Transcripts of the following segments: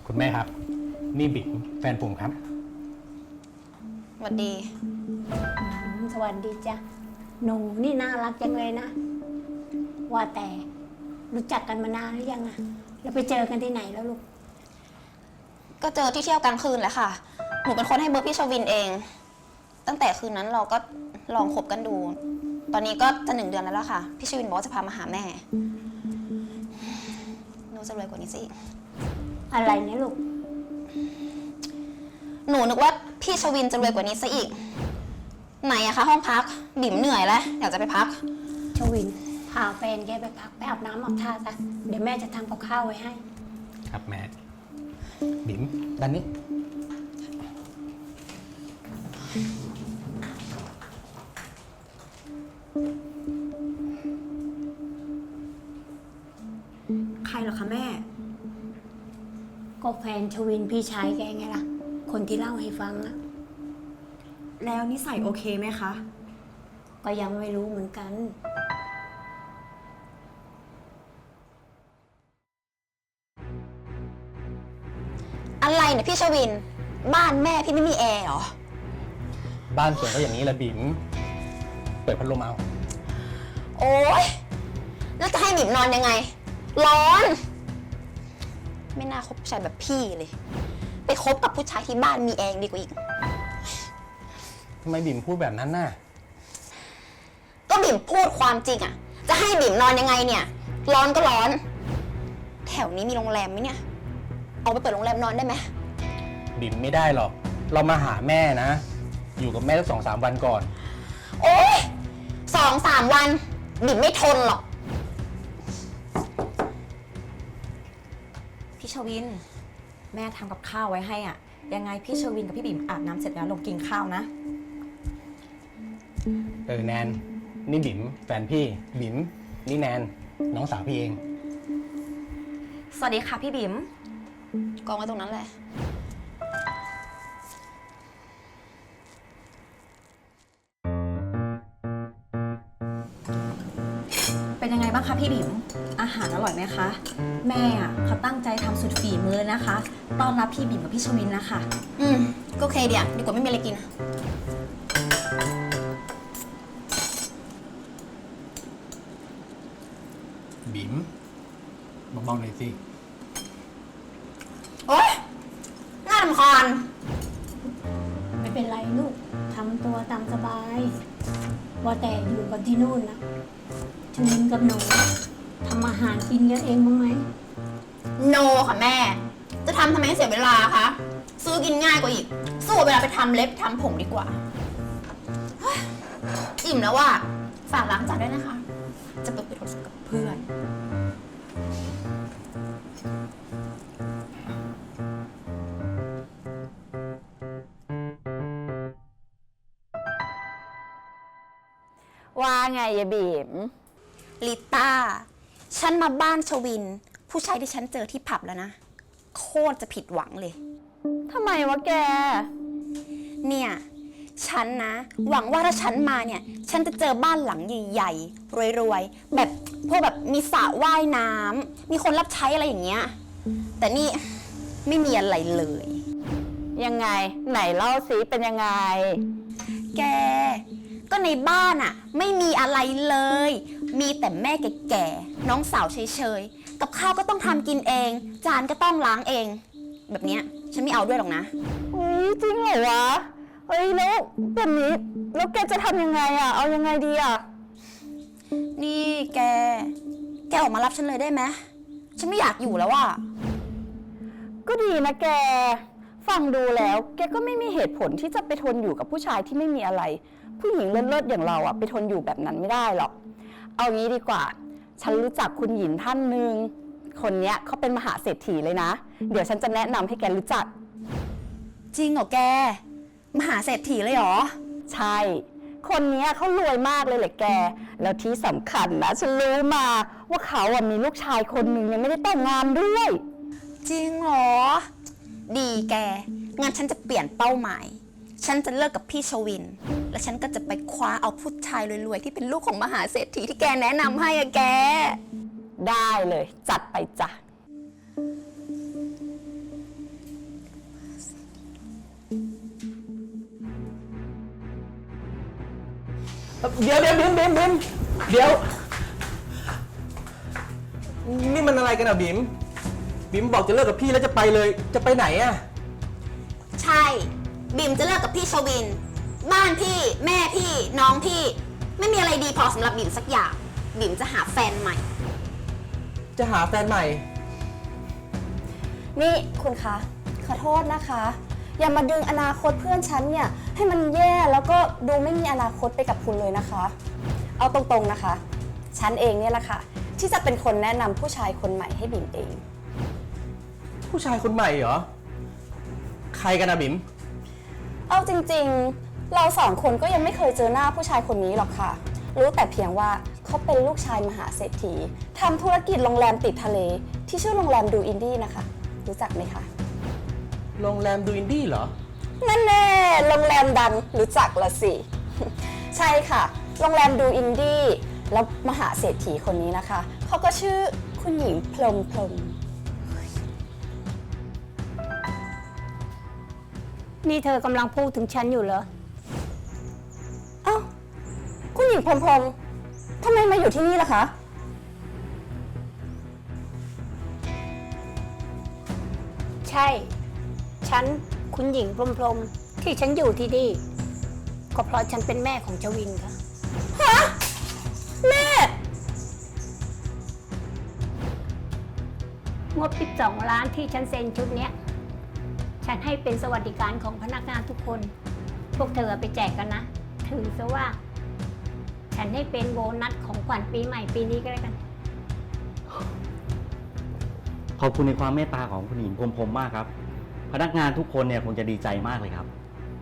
คุณแม่ครับนี่บิ๊กแฟนผมครับสวัสดีสวัสดีจ้ะหนูนี่น่ารักจังเลยนะว่าแต่รู้จักกันมานานหรือยังอะแล้วไปเจอกันที่ไหนแล้วลูกก็เจอที่เที่ยวกลางคืนแหละค่ะหนูเป็นคนให้เบอร์พี่ชวินเองตั้งแต่คืนนั้นเราก็ลองคบกันดูตอนนี้ก็จะ1 เดือนแล้วล่ะค่ะพี่ชวินบอกว่าจะพามาหาแม่หนูจะรวยกว่านี้สิอะไรเนี่ยลูกหนูนึกว่าพี่ชวินจะรวยกว่านี้ซะอีกไหนอะคะห้องพักบิ่มเหนื่อยแล้วอยากจะไปพักชวินพาแฟนแกไปพักไปอาบน้ำอาบท่าซะเดี๋ยวแม่จะทำกับข้าวไว้ให้ครับแม่บิ๊มด้านนี้ใครเหรอคะแม่ก็แฟนชวินพี่ชายแกไงล่ะคนที่เล่าให้ฟังอะแล้วนิสัยโอเคไหมคะก็ยังไม่รู้เหมือนกันอะไรเนี่ยพี่ชวินบ้านแม่พี่ไม่มีแอร์เหรอบ้านสวนก็อย่างนี้แหละบิ๊มเปิดพัดลมเอาโอ๊ยแล้วจะให้บิ่มนอนยังไงร้อน ไม่น่าคบผู้ชายแบบพี่เลยไปคบกับผู้ชายที่บ้านมีแอร์ดีกว่าอีกทำไมบิ๊มพูดแบบนั้นน่ะก็บิ่มพูดความจริงอะจะให้บิ่มนอนยังไงเนี่ยร้อนก็ร้อนแถวนี้มีโรงแรมไหมเนี่ยเอาไปเปิดโรงแรมนอนได้ไหมบิ๊มไม่ได้หรอกเรามาหาแม่นะอยู่กับแม่สัก2-3 วันก่อนโอ๊ย2-3 วันบิ่มไม่ทนหรอกพี่ชวินแม่ทำกับข้าวไว้ให้อ่ะยังไงพี่ชวินกับพี่บิ่มอาบน้ำเสร็จแล้วลงกินข้าวนะแนนนี่บิ๊มแฟนพี่บิ๊มนี่แนนน้องสาวพี่เองสวัสดีค่ะพี่บิ่มกองไว้ตรงนั้นแหละเป็นยังไงบ้างคะพี่บิ่มอาหารอร่อยไหมคะแม่อ่ะเขาตั้งใจทำสุดฝีมือนะคะต้อนรับพี่บิ่มกับพี่ชวินนะคะก็โอเคเดี๋ยวดีกว่าไม่มีอะไรกินบิ๊มเบาๆหน่อยสิโอ๊ยน่ารำคาญไม่เป็นไรลูกทำตัวตามสบายว่าแต่อยู่กันที่นู่นนะชวินกับหนูทำอาหารกินกันเองบ้างไหมโนค่ะแม่จะทำไมเสียเวลาคะซื้อกินง่ายกว่าอีกสู้เวลาไปทำเล็บทำผมดีกว่าอิ่มแล้วว่ะฝากล้างจานด้วยนะคะจะไปคุยโทรศัพท์กับเพื่อนว่าไงยายบีมลิต้าฉันมาบ้านชวินผู้ชายที่ฉันเจอที่ผับแล้วนะโคตรจะผิดหวังเลยทำไมวะแกเนี่ยฉันนะหวังว่าถ้าฉันมาเนี่ยฉันจะเจอบ้านหลังใหญ่ๆรวยๆแบบพวกแบบมีสระว่ายน้ำมีคนรับใช้อะไรอย่างเงี้ยแต่นี่ไม่มีอะไรเลยยังไงไหนเล่าสิเป็นยังไงแกก็ในบ้านอะไม่มีอะไรเลยมีแต่แม่แก่ๆน้องสาวเฉยๆกับข้าวก็ต้องทำกินเองจานก็ต้องล้างเองแบบเนี้ยฉันไม่เอาด้วยหรอกนะจริงเหรอวะเฮ้ยแล้วแบบนี้แล้วแกจะทำยังไงอะเอายังไงดีอะนี่แกออกมารับฉันเลยได้ไหมฉันไม่อยากอยู่แล้วอะก็ดีนะแกฟังดูแล้วแกก็ไม่มีเหตุผลที่จะไปทนอยู่กับผู้ชายที่ไม่มีอะไรผู้หญิงเลิศๆอย่างเราอะไปทนอยู่แบบนั้นไม่ได้หรอกเอางี้ดีกว่าฉันรู้จักคุณหญิงท่านหนึ่งคนเนี้ยเขาเป็นมหาเศรษฐีเลยนะเดี๋ยวฉันจะแนะนำให้แกรู้จักจริงเหรอแกมหาเศรษฐีเลยเหรอใช่คนเนี้ยเขารวยมากเลยแหละแกแล้วที่สำคัญนะฉันรู้มาว่าเขาอะมีลูกชายคนหนึ่งยังไม่ได้แต่งงานด้วยจริงเหรอดีแกงั้นฉันจะเปลี่ยนเป้าหมายฉันจะเลิกกับพี่ชวินและฉันก็จะไปคว้าเอาผู้ชายรวยๆที่เป็นลูกของมหาเศรษฐีที่แกแนะนำให้อะแกได้เลยจัดไปจ้ะเดี๋ยวบิมเดี๋ยว นี่มันอะไรกันอะบิมบอกจะเลิกกับพี่แล้วจะไปเลย จะไปไหนอะใช่บิ่มจะเลิกกับพี่ชวิน บ้านพี่แม่พี่น้องพี่ ไม่มีอะไรดีพอสำหรับบิ่มสักอย่างบิ่มจะหาแฟนใหม่จะหาแฟนใหม่นี่คุณคะขอโทษนะคะ อย่ามาดึงอนาคตเพื่อนฉันเนี่ยให้มันแย่แล้วก็ดูไม่มีอนาคตไปกับคุณเลยนะคะ เอาตรงๆนะคะ ฉันเองเนี่ยแหละค่ะที่จะเป็นคนแนะนำผู้ชายคนใหม่ให้บิ่มเองผู้ชายคนใหม่เหรอ ใครกันอะบิมเอาจริงๆ เราสองคนก็ยังไม่เคยเจอหน้าผู้ชายคนนี้หรอกค่ะ รู้แต่เพียงว่าเขาเป็นลูกชายมหาเศรษฐีทำธุรกิจโรงแรมติดทะเล ที่ชื่อโรงแรมดูอินดี้นะคะ รู้จักไหมคะโรงแรมดูอินดี้เหรอนั่นแน่โรงแรมดังรู้จักละสิ ใช่ค่ะ โรงแรมดูอินดี้แล้วมหาเศรษฐีคนนี้นะคะเขาก็ชื่อคุณหญิงพรหมนี่เธอกำลังพูดถึงฉันอยู่เหรอเอ้าคุณหญิงพรหมทำไมมาอยู่ที่นี่ล่ะคะใช่ ฉันคุณหญิงพรหมที่ฉันอยู่ที่นี่ ก็เพราะฉันเป็นแม่ของชวินค่ะแม่งบ12 ล้านที่ฉันเซ็นชุดเนี้ย ฉันให้เป็นสวัสดิการของพนักงานทุกคน พวกเธอไปแจกกันนะ ถือซะว่า ฉันให้เป็นโบนัสของขวัญปีใหม่ปีนี้ก็แล้วกันขอบคุณในความเมตตาของคุณหญิงพรหมมากครับ พนักงานทุกคนเนี่ยคงจะดีใจมากเลยครับ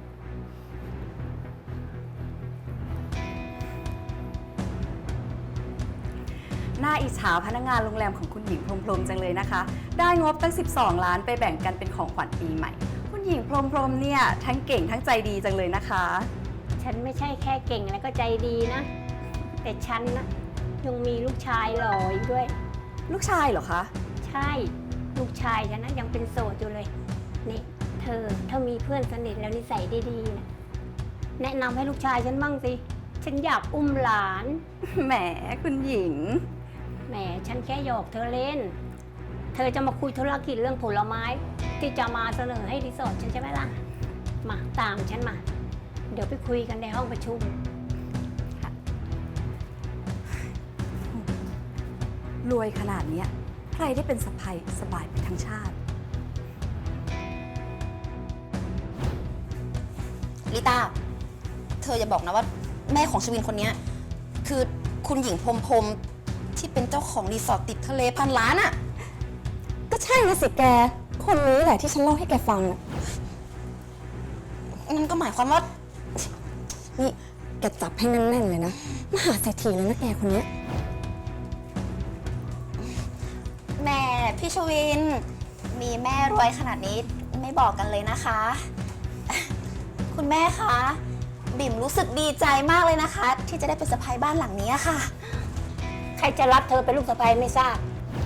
น่าอิจฉาพนักงานโรงแรมของคุณหญิงพรหมจังเลยนะคะ ได้งบตั้ง12 ล้านไปแบ่งกันเป็นของขวัญปีใหม่ คุณหญิงพรหมเนี่ยทั้งเก่งทั้งใจดีจังเลยนะคะฉันไม่ใช่แค่เก่งแล้วก็ใจดีนะ แต่ฉันนะยังมีลูกชายหล่ออีกด้วยลูกชายเหรอคะใช่ลูกชายฉันนะยังเป็นโสดอยู่เลย นี่เธอถ้ามีเพื่อนสนิทแล้วนิสัยดีๆนะแนะนำให้ลูกชายฉันบ้างสิ ฉันอยากอุ้มหลานแหมคุณหญิงแหมฉันแค่หยอกเธอเล่น เธอจะมาคุยธุรกิจเรื่องผลไม้ ที่จะมาเสนอให้รีสอร์ทฉันใช่ไหมล่ะ มาตามฉันมา เดี๋ยวไปคุยกันในห้องประชุมรวยขนาดเนี้ยใครได้เป็นสะใภ้สบายไปทั้งชาติลิต้า เธออย่าบอกนะว่าแม่ของชวินคนเนี้ยคือคุณหญิงพรหมที่เป็นเจ้าของรีสอร์ทติดทะเลพันล้านอะก็ใช่นะสิแก คนนี้แหละที่ฉันเล่าให้แกฟังน่ะนั่นก็หมายความว่านี่แกจับให้แน่นๆเลยนะ มหาเศรษฐีเลยนะแกคนเนี้ยแม่พี่ชวิน มีแม่รวยขนาดนี้ไม่บอกกันเลยนะคะ คุณแม่คะบิ่มรู้สึกดีใจมากเลยนะคะ ที่จะได้เป็นสะใภ้บ้านหลังนี้ค่ะใครจะรับเธอเป็นลูกสะใภ้ไม่ทราบ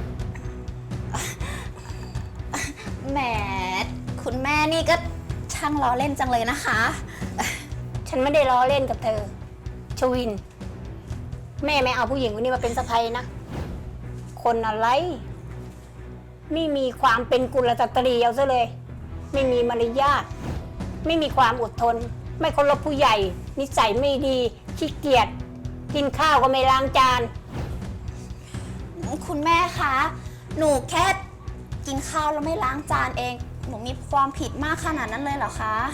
แหมคุณแม่นี่ก็ช่างล้อเล่นจังเลยนะคะฉันไม่ได้ล้อเล่นกับเธอ ชวิน แม่ไม่เอาผู้หญิงคนนี้มาเป็นสะใภ้นะ คนอะไร ไม่มีความเป็นกุลสตรีเอาซะเลย ไม่มีมารยาท ไม่มีความอดทน ไม่เคารพผู้ใหญ่ นิสัยไม่ดี ขี้เกียจ กินข้าวก็ไม่ล้างจานคุณแม่คะหนูแค่กินข้าวแล้วไม่ล้างจานเอง หนูมีความผิดมากขนาดนั้นเลยเหรอคะ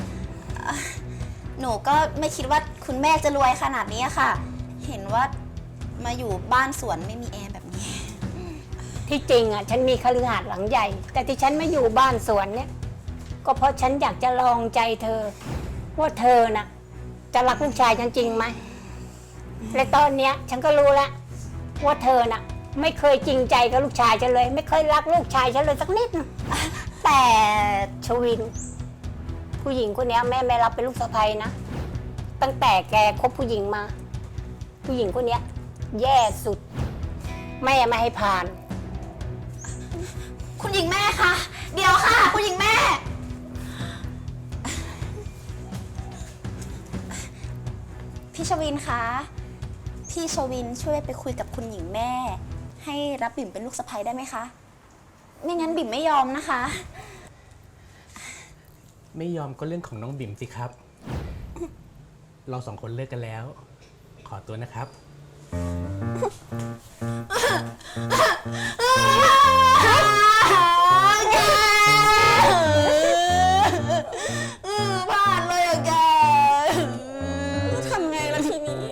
หนูก็ไม่คิดว่าคุณแม่จะรวยขนาดนี้ค่ะ เห็นว่ามาอยู่บ้านสวนไม่มีแอร์แบบนี้ที่จริงอ่ะฉันมีคฤหาสน์หลังใหญ่ แต่ที่ฉันไม่อยู่บ้านสวนเนี่ย ก็เพราะฉันอยากจะลองใจเธอ ว่าเธอน่ะ จะรักลูกชายฉันจริงไหมและตอนเนี้ยฉันก็รู้แล้วว่าเธอน่ะ ไม่เคยจริงใจกับลูกชายฉันเลย ไม่เคยรักลูกชายฉันเลยสักนิดนึงแต่ชวิน ผู้หญิงคนเนี้ยแม่ไม่รับเป็นลูกสะใภ้นะ ตั้งแต่แกคบผู้หญิงมา ผู้หญิงคนเนี้ยแย่สุด แม่ไม่ให้ผ่านคุณหญิงแม่คะเดี๋ยวค่ะ คุณหญิงแม่ พี่พี่ชวินคะ พี่ชวินช่วยไปคุยกับคุณหญิงแม่ ให้รับบิ่มเป็นลูกสะใภ้ได้ไหมคะ ไม่งั้นบิ่มไม่ยอมนะคะไม่ยอมก็เรื่องของน้องบิ่มสิครับ เราสองคนเลิกกันแล้ว ขอตัวนะครับพลาดเลยอะแกทำไงล่ะทีนี้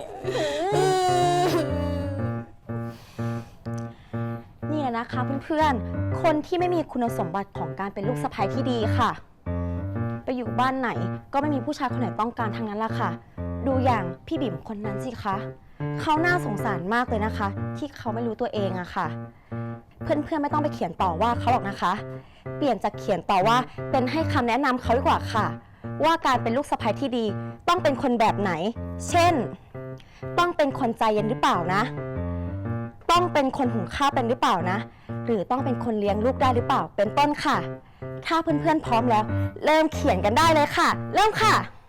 นี่แหละนะคะเพื่อนๆ คนที่ไม่มีคุณสมบัติของการเป็นลูกสะใภ้ที่ดีค่ะ ไปอยู่บ้านไหนก็ไม่มีผู้ชายคนไหนต้องการทั้งนั้นล่ะค่ะ ดูอย่างพี่บิ่มคนนั้นสิคะ เขาน่าสงสารมากเลยนะคะ ที่เขาไม่รู้ตัวเองอะค่ะ เพื่อนๆไม่ต้องไปเขียนต่อว่าเขาหรอกนะคะ เปลี่ยนจากเขียนต่อว่าเป็นให้คำแนะนำเขาดีกว่าค่ะ ว่าการเป็นลูกสะใภ้ที่ดีต้องเป็นคนแบบไหน เช่น ต้องเป็นคนใจเย็นหรือเปล่านะ ต้องเป็นคนหุงข้าวเป็นหรือเปล่านะ หรือต้องเป็นคนเลี้ยงลูกได้หรือเปล่า เป็นต้นค่ะ ถ้าเพื่อนๆพร้อมแล้ว เริ่มเขียนกันได้เลยค่ะ เริ่มค่ะ